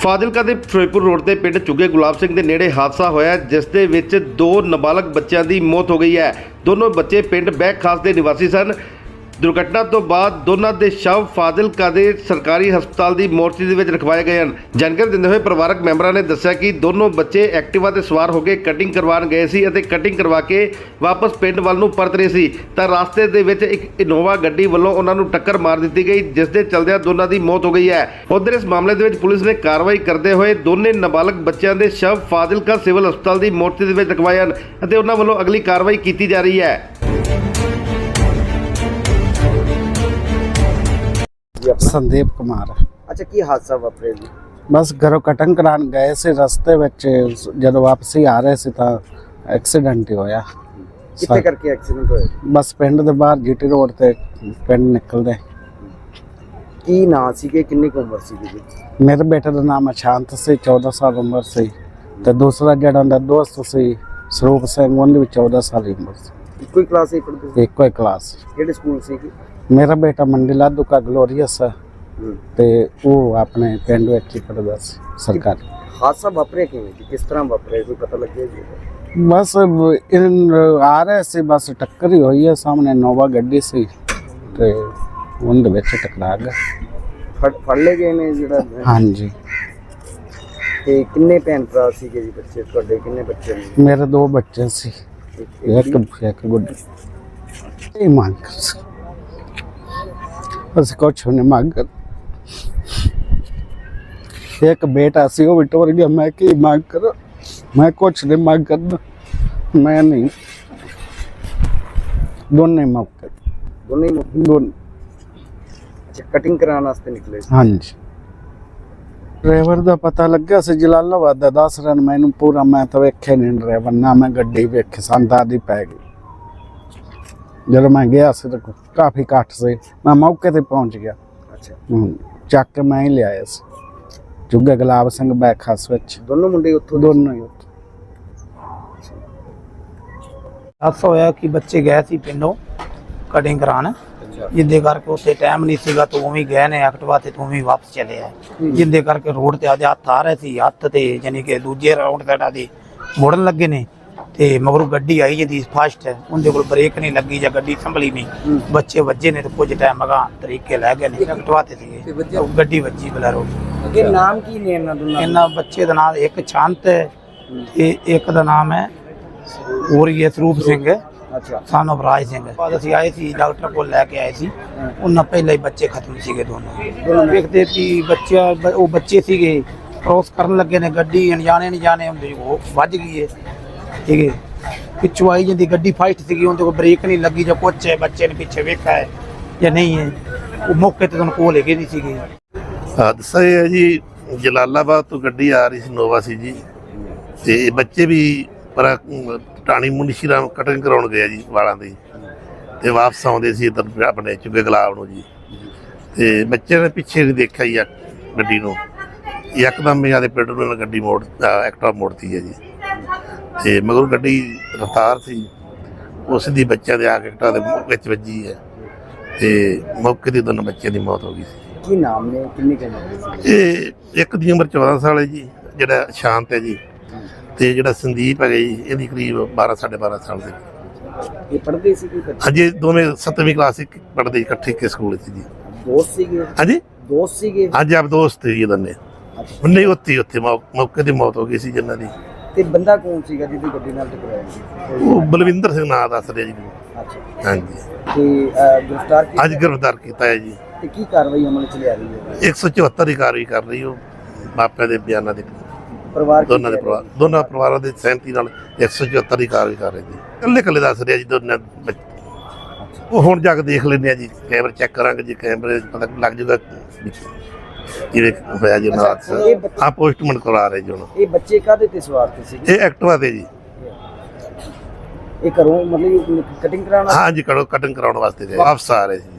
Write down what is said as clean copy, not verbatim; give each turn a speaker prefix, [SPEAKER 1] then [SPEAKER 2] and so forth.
[SPEAKER 1] ਫਾਜ਼ਿਲਕਾ ਦੇ ਫਿਰੋਜ਼ਪੁਰ ਰੋਡ ਤੇ ਪਿੰਡ ਚੁੱਗੇ ਗੁਲਾਬ ਸਿੰਘ ਦੇ ਨੇੜੇ ਹਾਦਸਾ ਹੋਇਆ, ਜਿਸ ਦੇ ਵਿੱਚ ਦੋ ਨਾਬਾਲਗ ਬੱਚਿਆਂ ਦੀ ਮੌਤ ਹੋ ਗਈ ਹੈ। ਦੋਨੋਂ ਬੱਚੇ ਪਿੰਡ ਬੈਕ ਖਾਸ ਦੇ ਨਿਵਾਸੀ ਸਨ। ਦੁਰਘਟਨਾ ਤੋਂ ਬਾਅਦ ਦੋਨਾਂ ਦੇ ਸ਼ਵ ਫਾਜ਼ਿਲਕਾ ਦੇ ਸਰਕਾਰੀ ਹਸਪਤਾਲ ਦੀ ਮੋਰਚੀ ਦੇ ਵਿੱਚ ਰਖਵਾਏ ਗਏ ਹਨ। ਜਾਣਕਾਰੀ ਦਿੰਦੇ ਹੋਏ ਪਰਿਵਾਰਕ ਮੈਂਬਰਾਂ ਨੇ ਦੱਸਿਆ ਕਿ ਦੋਨੋਂ ਬੱਚੇ ਐਕਟਿਵਾ ਤੇ ਸਵਾਰ ਹੋ ਕੇ ਕਟਿੰਗ ਕਰਵਾਉਣ ਗਏ ਸੀ ਅਤੇ ਕਟਿੰਗ ਕਰਵਾ ਕੇ ਵਾਪਸ ਪਿੰਡ ਵੱਲ ਨੂੰ ਪਰਤ ਰਹੇ ਸੀ ਤਾਂ ਰਸਤੇ ਦੇ ਵਿੱਚ ਇੱਕ ਇਨੋਵਾ ਗੱਡੀ ਵੱਲੋਂ ਉਹਨਾਂ ਨੂੰ ਟੱਕਰ ਮਾਰ ਦਿੱਤੀ ਗਈ, ਜਿਸ ਦੇ ਚਲਦਿਆਂ ਦੋਨਾਂ ਦੀ ਮੌਤ ਹੋ ਗਈ ਹੈ। ਉਧਰ ਇਸ ਮਾਮਲੇ ਦੇ ਵਿੱਚ ਪੁਲਿਸ ਨੇ ਕਾਰਵਾਈ ਕਰਦੇ ਹੋਏ ਦੋਨੇ ਨਾਬਾਲਗ ਬੱਚਿਆਂ ਦੇ ਸ਼ਵ ਫਾਜ਼ਿਲਕਾ ਸਿਵਲ ਹਸਪਤਾਲ ਦੀ ਮੋਰਚੀ ਦੇ ਵਿੱਚ ਰਖਵਾਏ ਹਨ ਅਤੇ ਉਹਨਾਂ ਵੱਲੋਂ ਅਗਲੀ ਕਾਰਵਾਈ ਕੀਤੀ ਜਾ ਰਹੀ ਹੈ।
[SPEAKER 2] संदीप कुमार।
[SPEAKER 3] अच्छा की हादसा वापरे जी?
[SPEAKER 2] बस घरों कटिंग करान गए से रस्ते विच जदों वापसी आ रहे सी तां एक्सीडेंट ही होया।
[SPEAKER 3] कित्थे करके एक्सीडेंट होया?
[SPEAKER 2] बस पिंड दे बाहर जीटी रोड ते पिंड निकलदे।
[SPEAKER 3] की नां सीगे, किन्नी की उम्र सीगी जी?
[SPEAKER 2] मेरे बेटे दा नाम शांत सी, 14 साल उम्र सी ते दूसरा जेड़ा उनदा दोस्त सी सरूप सिंह, उनदी भी 14 साल उम्र सी।
[SPEAKER 3] इक्को ही क्लास ही पढ़दे?
[SPEAKER 2] इक्को ही क्लास।
[SPEAKER 3] केड़े स्कूल सीगी?
[SPEAKER 2] मेरा बेटा मंडी लाधू का ग्लोरियस है ते वो अपने पिंड विच ही पढ़दा सी सरकारी।
[SPEAKER 3] हादसा वापरे किवें जी? किस तरह वापरे, कोई पता लगे जी?
[SPEAKER 2] बस इन आ रहे सी, बस टक्कर ही हुई है। सामने नोवा गड्डी सी ते उनदे विच टकरा गया।
[SPEAKER 3] फड़ ले गए ने जेड़ा?
[SPEAKER 2] हाँ जी।
[SPEAKER 3] ते किन्ने भैन भरा सीगे जी बच्चे तुहाडे? किन्ने बच्चे ने?
[SPEAKER 2] मेरे दो बच्चे सी, एक गुड्डी। ये मांग बस कुछ नहीं मांग। एक बेटा सी वो भी टोर गया, मैं की मांग कर? मैं कुछ नहीं मांग करना, मैं नहीं। दोनों ही मौके दोनों।
[SPEAKER 3] अच्छा कटिंग कराने वास्ते निकले?
[SPEAKER 2] हाँ जी। ड्राइवर का पता लग्या सी जलालाबाद दा, दस रन मैनू पूरा, मैं तो वेखे नहीं ड्राइवर ना, मैं गड्डी वेखी, संत आदि पै गई। जब मैं गया से तो काफ़ी घट से मैं मौके ते पहुंच गया।
[SPEAKER 3] अच्छा
[SPEAKER 2] चक के मैं ही ले आया सी चुगे गुलाब सिंह बैक खास विच।
[SPEAKER 3] दोनों मुंडे उत्थों?
[SPEAKER 2] दोनों ही उत्थों।
[SPEAKER 4] हादसा होया कि बच्चे गए सी पिंडों कटिंग कराने, जिंदे करके उत्थे टाइम नहीं सीगा तो उवें गए ने एक्टिवा ते उवें वापस चले आए। जिंदे करके रोड ते आदे हत्थ आ रहे सी, हत्थ ते यानी कि दूजे राउंड ते आदे मुड़न लगे ने ते मगरों गड्डी आई जी फास्ट है, उनके कोल ब्रेक नहीं लगी या गड्डी संभली नहीं, बच्चे वजे ने तो कुछ टाइम अगा तरीके लै गए ने एक्टिवा ते सीगे, गड्डी वजी बलैरो।
[SPEAKER 3] अगे नाम की ने इन्हां दोनां?
[SPEAKER 4] इन्हां बच्चे दा नाम एक शांत है ते एक दा नाम है और ये सरूप सिंह है।
[SPEAKER 3] अच्छा
[SPEAKER 4] सन ऑफ राज सिंह। बाद असीं आए सी डॉक्टर को लैके आए सी, उन्हां पहले ही बच्चे खत्म सीगे दोनों। देखते कि बच्चा वो बच्चे सीगे क्रॉस करन लगे ने, गड्डी अनजाने नहीं जाने हुंदे वो वज गई है, ठीक है। पिछू आई जी गड्डी फाइट थी, उनके को ब्रेक नहीं लगी जो कुछ है, बच्चे ने पीछे वेखा है या नहीं है, वो मौके ते तुहानूं कोल लेके नहीं सी गई।
[SPEAKER 5] हादसा है जी जलालाबाद तो गड्डी आ रही सी, नोवा सी जी, ते बच्चे भी पर टाणी मुंशी राम कटिंग कराउण गए जी वालां दी, ते वापस आउंदे सी इधर अपने चुगे गुलाब नूं जी, ते बच्चे ने पिछे नहीं देखा जी गड्डी नूं, यकदम ही आदे पिंड नूं गड्डी मोड़ एक्टिवा मोड़ती है जी, ते मगर गड्डी रफ्तार थी उस दी बच्चों के आके एक्टिवा दे विच वजी है, ते मौके ते दोनों बच्चों की मौत हो गई सी।
[SPEAKER 3] की नाम ने, किन्नी की उम्र?
[SPEAKER 5] ये एक दी उम्र 14 साल है जी, जिहड़ा शांत है जी, ते जिहड़ा संदीप है जी इहदी करीब 12 साढ़े 12 साल दे।
[SPEAKER 3] ये पढ़दे सी कि?
[SPEAKER 5] हाँ जी, दोवें 7वीं क्लास पढ़दे इकट्ठे के स्कूल सी जी।
[SPEAKER 3] दोस्त सीगे?
[SPEAKER 5] हाँ जी
[SPEAKER 3] दोस्त सीगे?
[SPEAKER 5] हाँ जी, आप दोस्त थे जी दोने। नहीं उत्थे मौके ते मौत हो गई सी जिन्हां दी।
[SPEAKER 3] ते बंदा कौन सीगा जिहदी गड्डी नाल टकराया जी?
[SPEAKER 5] वो बलविंदर सिंह नाम दस रहे जी।
[SPEAKER 3] अच्छा
[SPEAKER 5] हाँ जी,
[SPEAKER 3] ते गिरफ्तार की?
[SPEAKER 5] अज गिरफ्तार किया है जी।
[SPEAKER 3] ते की कार्रवाई अमल च लिया रही है?
[SPEAKER 5] 174 की कार्रवाई कर रही हो मापिया के बयानों के
[SPEAKER 3] परिवार
[SPEAKER 5] दोनों परिवारों की सहमति नाल 174 की कार्रवाई कर रहे जी। कल्ले कल्ले दस रहे जी दोनों वो हुण जाके देख लेने जी, कैमरे चेक करांगे जी, कैमरे पता लग जाएगा जिवें होया जी हादसा। हाँ पोस्टमार्टम करा रहे जी हुण।
[SPEAKER 3] ये बच्चे काहदे ते सवार थे सी?
[SPEAKER 5] ये एक्टिवा ते जी।
[SPEAKER 3] ये घरों मतलब कटिंग कराना?
[SPEAKER 5] हाँ जी, कटिंग कराने वास्ते गए, वापस आ रहे जी।